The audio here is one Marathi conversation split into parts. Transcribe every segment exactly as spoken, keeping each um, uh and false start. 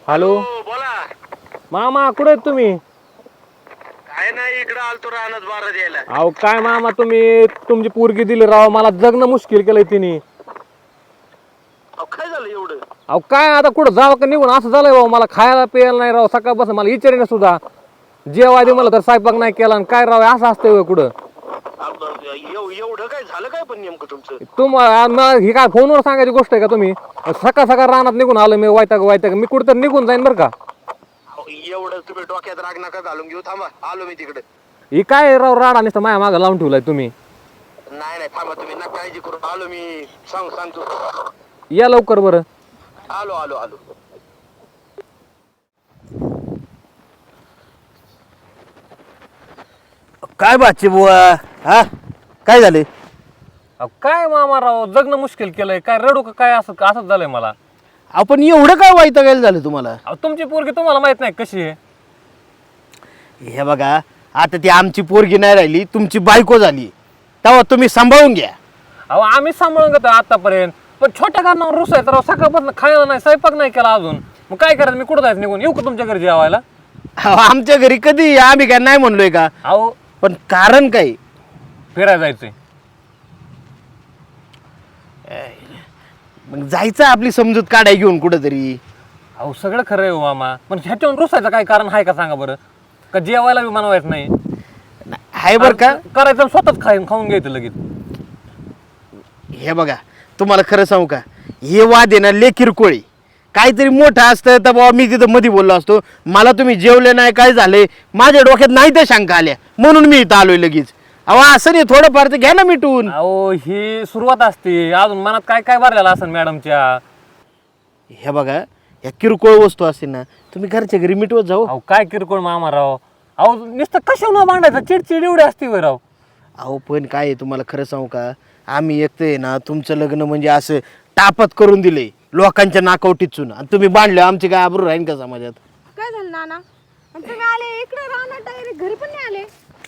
हॅलो बोला. मामा कुठे आहेत तुम्ही? काय नाही इकडं आलतो राहणार बारा द्यायला. अहो काय मामा तुम्ही तुमची पोरगी दिली राव, मला जगणं मुश्किल केलंय तिने. अहो काय झालं एवढं? अहो काय आता कुठं जावं का निघून असं झालंय राव, मला खायला प्यायला नाही राव, सकाळपासून मला विचारेन सुद्धा. जेवाय दे मला तर स्वयंपाक नाही केला आणि काय राव असं असतंय होय कुठं? अब- एव- एवढं काय झालं काय पण नेमकं तुमचं? तुम्हाला ही काय फोनवर सांगायची गोष्ट आहे का तुम्ही? सकाळ सकाळ रानात निघून आलो मी, वैताग वैताग मी कुठं तर निघून जाईन बरं का. अहो, एवढं तुम्ही डोक्यात राग नका घालून घेऊ. थांबा आलो मी तिकडे. ही काय राव राडा नुसतं माझ्या मागं लावून ठेवलाय तुम्ही. नाही नाही थांबा तुम्ही नका काळजी करू. आलो मी सांग सांगतो. या लवकर बरं. आलो आलो आलो. काय बाची बुवा हा काय झाले? अहो काय मामा राव जगणं मुश्किल केलंय, काय रडू का काय असं असंच झालंय मला. आपण एवढं काय वैतागायला झालं तुम्हाला? अहो तुमची पोरगी तुम्हाला माहित नाही कशी आहे. हे बघा आता ती आमची पोरगी नाही राहिली, तुमची बायको झाली, तेव्हा तुम्ही सांभाळून घ्या. अहो आम्ही सांभाळून घेतो आतापर्यंत, पण छोट्या कारणावर रुसायचं राव. सकाळपासून खायला नाही, स्वयंपाक नाही केला अजून. मग काय करायचं, मी कुठं जायचं निघून? येऊ का तुमच्या घरी जेवायला? अहो, आमच्या घरी कधी आम्ही काय नाही म्हणलोय का, अहो पण कारण काय? फिरायला जायचंय. मग जायचं आपली समजूत काढाय घेऊन कुठंतरी. अहो सगळं खरं आहे हो मामा, पण ह्याच्यावर रुसायचं काय कारण आहे का सांगा बरं? का जेवायला बी बनवायचं नाही? आहे बरं का, करायचं स्वतःच खाऊन खाऊन घ्यायचं लगेच. हे बघा तुम्हाला खरं सांगू का, हे वाद आहे ना लय किरकोळी. काहीतरी मोठं असतं तर बाबा मी तिथं मध्ये बोललो असतो. मला तुम्ही जेवले नाही काय झाले माझ्या डोक्यात नाही तर शंका आल्या म्हणून मी इथं आलोय लगेच. अहो असं नाही, थोडंफार तर घ्या ना मिटून. अहो ही सुरुवात असते, अजून मनात काय काय भरलेलं असं मॅडमच्या. हे बघा या किरकोळ वस्तू असतील ना तुम्ही घरच्या घरी मिटवत जाऊ. अहो काय किरकोळ मामा राव. अहो नुसतं कशावर मांडायचं, चिडचिड एवढी असते होय राव. अहो पण काय आहे तुम्हाला खरं सांगू का, आम्ही एकटं आहे ना तुमचं लग्न म्हणजे असं टापत करून दिले लोकांच्या नाकावटीत चुन, आणि तुम्ही बांधले आमची काय आबरू राहीन का समाजात? काय झालं नाना? आणि तुम्ही आले इकडे राहणार डायरेक्ट, घरी पण नाही आले?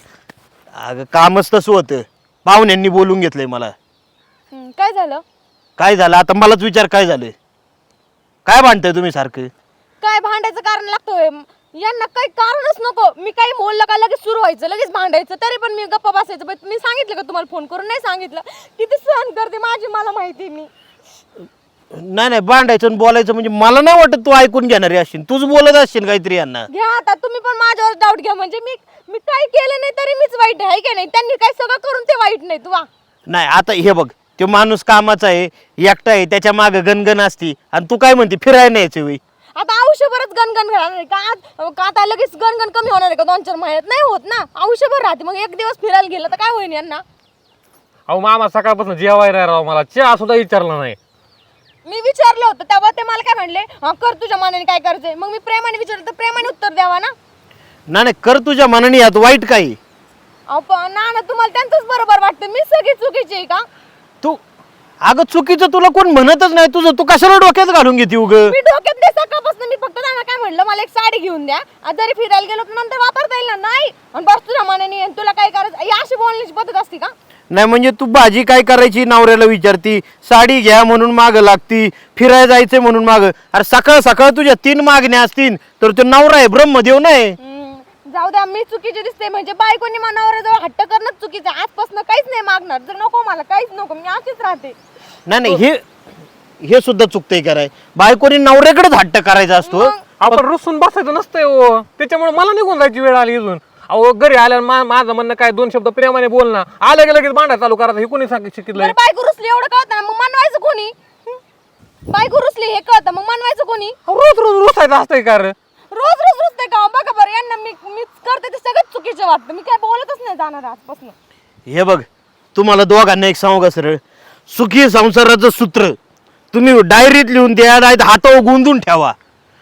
अगं कामच तसं होतं, पाहुण्यांनी बोलून घेतलंय मला. हं, काय झालं? काय झालं आता मलाच विचार, काय झालं? काय भांडताय तुम्ही सारखं? काय भांडायचं कारण लागतोय? यांना काही कारणच नको. मी काही बोललं का लगेच सुरू व्हायचं, लगेच भांडायचं. तरी पण मी गप्पा बसायचं. पण मी सांगितलं का तुम्हाला फोन करून? नाही सांगितलं. किती सहन करते माझी मला माहिती. मी नाही नाही भांडायचं आणि बोलायचं म्हणजे मला नाही वाटत तू ऐकून घेणारी असशील, तूच बोलत असशील काहीतरी यांना. घ्या आता तुम्ही पण माझ्यावर डाऊट घ्या. म्हणजे मी मी काही केलं नाही तरी मीच वाईट आहे का नाही? त्यांनी काय सगळं करून ते वाईट नाही तुवा. नाही आता हे बघ, तो माणूस कामाचा आहे, एकटा आहे, त्याच्या मागे गणगण असती, आणि तू काय म्हणते फिरायला न्यायचं वेळी. आता आयुष्यभरच गणगण घालणार आहे का? आज- का आता लगेच गणगण कमी होणार आहे का दोन चार महिन्यात? नाही होत ना, आयुष्यभर राहते. मग एक दिवस फिरायला गेलं तर काय होईल यांना? अहो मामा सकाळपासून जेवायला राव, मला चहा सुद्धा विचारला नाही. मी विचारलं होतं तेव्हा ते मला काय म्हणले, हा कर तुझ्या मनाने काय करायचंय. मग मी प्रेमाने विचारलं तर प्रेमाने उत्तर द्यावा ना. नाही नाही कर तुझ्या मनाने, यात वाईट काही. अहो पण ना ना तुम्हाला त्यांचंच बरोबर वाटतं, मी सगळी चुकीची आहे का? तू अगं चुकीचं तुला कोण म्हणतच नाही, तुझं तू कशाला डोक्यात घालून घेते उग? मी डोक्यात नाही सकाळपासून. मी फक्त त्यांना काय म्हणलं, मला एक साडी घेऊन द्या, आज जरी फिरायला गेलो तर नंतर वापरता येईल ना. नाही आणि बस तुझ्या मनाने, आणि तुला काय करायचं, ही अशी बोलण्याची पद्धत असते का? नाही म्हणजे तू भाजी काय करायची नवऱ्याला विचारती, साडी घ्या म्हणून माग लागती, फिरायला जायचंय म्हणून माग. अरे सकाळ सकाळ तुझ्या तीन मागण्या असतील तर तो नवरा आहे, ब्रह्मदेव नाही. हम्म, जाऊ द्या, मी चुकीची दिसते. म्हणजे बायकोनी मनावर हट्ट करणंच चुकीचं आहे. आजपासून काहीच नाही मागणार. जर नको मला काहीच नको, मी अशीच राहते. नाही नाही हे हे सुद्धा चुकतंय कराय, बायकोनी नवऱ्याकडेच हट्ट करायचा असतो. आपण रुसून बसायचं नसतंय हो, त्याच्यामुळे मला निघून जायची वेळ आली इथून. अहो घरी आल्यावर मा माझं म्हणणं काय, दोन शब्द प्रेमाने बोल ना, आलं की लगेच भांडा चालू करायचं. हे कोणी सांग शिकलंय? बरं, बायको रुसली एवढं कळतं ना, मग मनवायचं कोणी? हं? बायको रुसली हे कळतं, मग मनवायचं कोणी? रोज रोज रुसायचं असतंय का रे? रोज रोज रुसते का? बघा बरं, यांना मी मीच करते ते सगळं चुकीचं वाटतं. मी काय बोलतच नाही जाणार आजपासून. हे बघ तुम्हाला दोघांना एक सांगू का सरळ, सुखी संसाराचं सूत्र तुम्ही डायरीत लिहून द्या, नाही हातावर गुंदून ठेवा.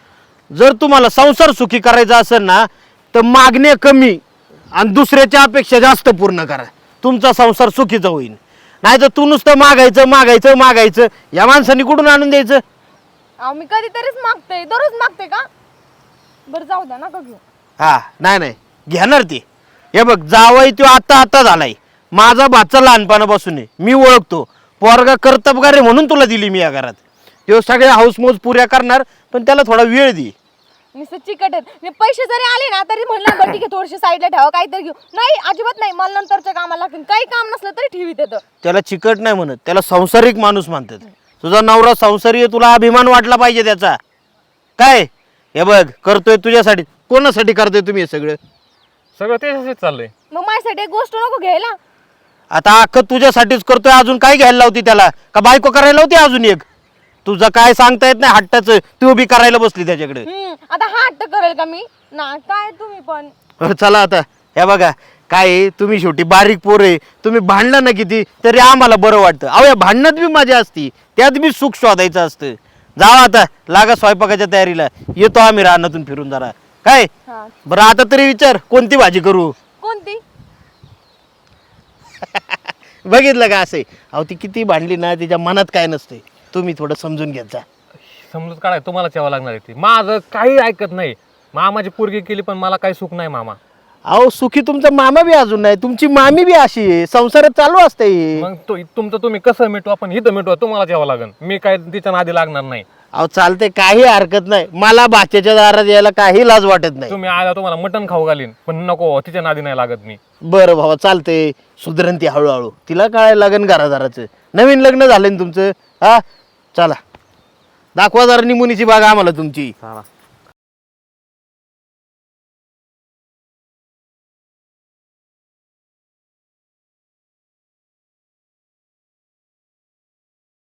जर तुम्हाला संसार सुखी करायचा असेल ना तर मागण्या कमी आणि दुसऱ्याच्या अपेक्षा जास्त पूर्ण करा, तुमचा संसार सुखीचा होईल. नाही तर तू नुसतं मागायचं मागायचं मागायचं, या माणसाने कुठून आणून द्यायचं? अहो मी कधीतरीच मागते, दररोज मागते का? बरं जाऊ द्या नका घेऊ. हा नाही नाही घेणार ती. हे बघ जावई तो आता आता झालाय, माझा भाचा लहानपणापासून आहे, मी ओळखतो. पोरगा कर्तबगार आहे म्हणून तुला दिली मी या घरात. तो सगळ्या हाऊसमौज पुऱ्या करणार, पण त्याला थोडा वेळ दे. नुसतं चिकट आहेत. मी पैसे जरी आले ना तरी म्हणलं बरं ठीक आहे थोडेसे साईडला ठेवा काहीतरी घेऊ. नाही अजिबात नाही, मला नंतरच्या कामाला लागतील. काही काम नसलं तरी ठेवीत येतं. त्याला चिकट नाही म्हणत, त्याला संसारिक माणूस म्हणतात. तुझा नवरा संसारी आहे, तुला अभिमान वाटला पाहिजे त्याचा. काय हे बघ करतोय तुझ्यासाठी, कोणासाठी करतोय तुम्ही हे सगळं? सगळं त्याच्याशीच चाललंय. मग माझ्यासाठी एक गोष्ट नको घ्यायला. आता अख्खं तुझ्यासाठीच करतोय, अजून काय घ्यायला लावती त्याला? का बायको करायला होती अजून एक? तुझं काय सांगता येत नाही हट्टाचं, तू उभी करायला बसली त्याच्याकडे. हम्म आता हा हट्ट करेल का मी? ना काय तुम्ही पण. बरं, चला आता हे बघा काय आहे, तुम्ही शेवटी बारीक पोर आहे, तुम्ही भांडला ना किती तरी आम्हाला बरं वाटतं. अहो या भांडणात बी मजा असती, त्यात बी सुख शोधायचं असतं. जावा आता लागा स्वयंपाकाच्या तयारीला, येतो आम्ही रानातून फिरून जरा. काय हा. बरं आता तरी विचार कोणती भाजी करू? कोणती? बघितलं का असे? अहो ती किती भांडली ना, तिच्या मनात काय नसते. तुम्ही थोडं समजून घेत जा. समजूत काढाय तुम्हाला यावं लागणार आहे. ती माझं काही ऐकत नाही. मामाची पोरगी केली पण मला काही सुख नाही मामा. अहो सुखी तुमचा मामा बी अजून नाही, तुमची मामी बी अशी आहे, संसारात चालू असते. मग तो तुमचं तुम्ही कसं मिटवा, पण इथं मिटवा तुम्हाला यावं लागेल. मी काय तिच्या नादी लागणार नाही. अहो चालते, काही हरकत नाही. मला भाच्याच्या दारात यायला काही लाज वाटत नाही. तुम्ही आला तुम्हाला मटण खाऊ घालीन, पण नको तिच्या नादी नाही लागत मी. बरं भावा चालते, सुधरण ती हळूहळू. तिला कळायला लागेल घरादाराचं. नवीन लग्न झालं ना तुमचं. हा चला दाखवा जरा निमुनीची बाग आम्हाला तुमची. चला.